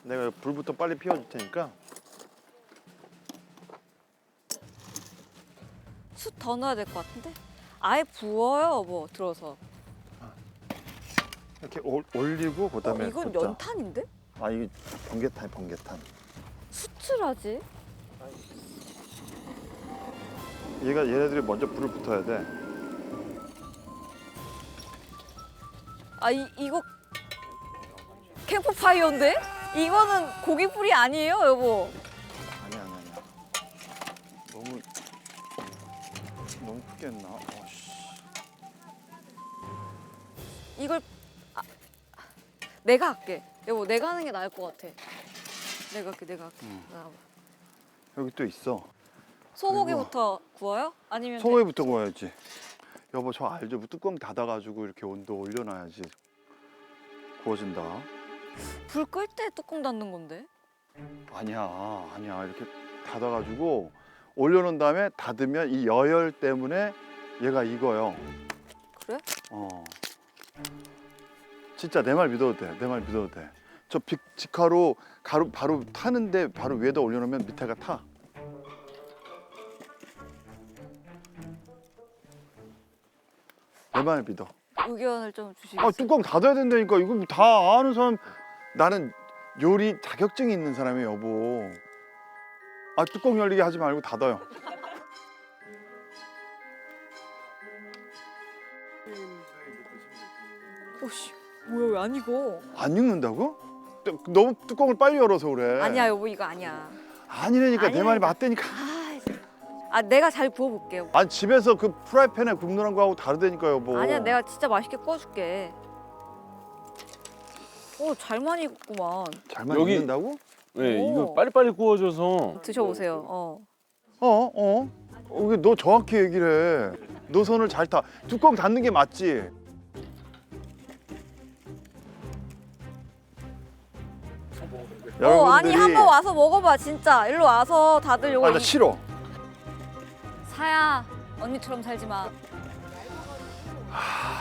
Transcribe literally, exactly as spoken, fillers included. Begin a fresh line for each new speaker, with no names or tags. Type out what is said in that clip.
내가 불부터 빨리 피워줄 테니까.
숯 더 넣어야 될 것 같은데? 아예 부어요, 뭐 들어서.
이렇게 올, 올리고
어,
그다음에
이건
붓자.
연탄인데?
아 이게 번개탄 번개탄.
숯을 하지?
얘가 얘네들이 먼저 불을 붙어야 돼.
아, 이, 이거 캠프파이어인데? 이거는 고기불이 아니에요, 여보?
아니야 아니야 아니야. 너무 너무 크게 했나? 어, 씨.
이걸 아, 내가 할게. 여보, 내가 하는 게 나을 것 같아. 내가 할게, 내가 할게.
응.
나와봐.
여기 또 있어.
소고기부터 구워요? 아니면
소고기부터 구워야지. 여보 저 알죠? 뚜껑 닫아가지고 이렇게 온도 올려놔야지 구워진다.
불 끌 때 뚜껑 닫는 건데?
아니야 아니야 이렇게 닫아가지고 올려놓은 다음에 닫으면 이 여열 때문에 얘가 익어요.
그래?
어. 진짜 내 말 믿어도 돼. 내 말 믿어도 돼. 저 빅, 직화로 가루 바로 타는데 바로 위에다 올려놓으면 밑에가 타. 내 말 믿어.
의견을 좀 주시겠어요?
아 뚜껑 닫아야 된다니까. 이거 다 아는 사람. 나는 요리 자격증이 있는 사람이에요, 여보. 아 뚜껑 열리게 하지 말고 닫아요.
오씨, 뭐야, 왜 안 익어?
안 익는다고? 뚜- 너무 뚜껑을 빨리 열어서 그래.
아니야, 여보, 이거 아니야.
아니라니까 내 말이
아니라니까.
맞다니까.
아, 아 내가 잘 구워볼게요.
아니 집에서 그 프라이팬에 굽는 거하고 다르다니까 여보.
아니야, 내가 진짜 맛있게 구워줄게. 오, 잘 많이 익었구만.
잘만
여기-
익는다고?
네,
오.
이거 빨리빨리 구워줘서
드셔보세요. 어.
어? 어? 어, 왜 너 정확히 얘기를 해. 너 손을 잘 타. 뚜껑 닫는 게 맞지?
어, 아니 한번 와서 먹어봐, 진짜. 일로 와서 다들 요거
아, 나
이-
싫어.
사야, 언니처럼 살지 마.
하,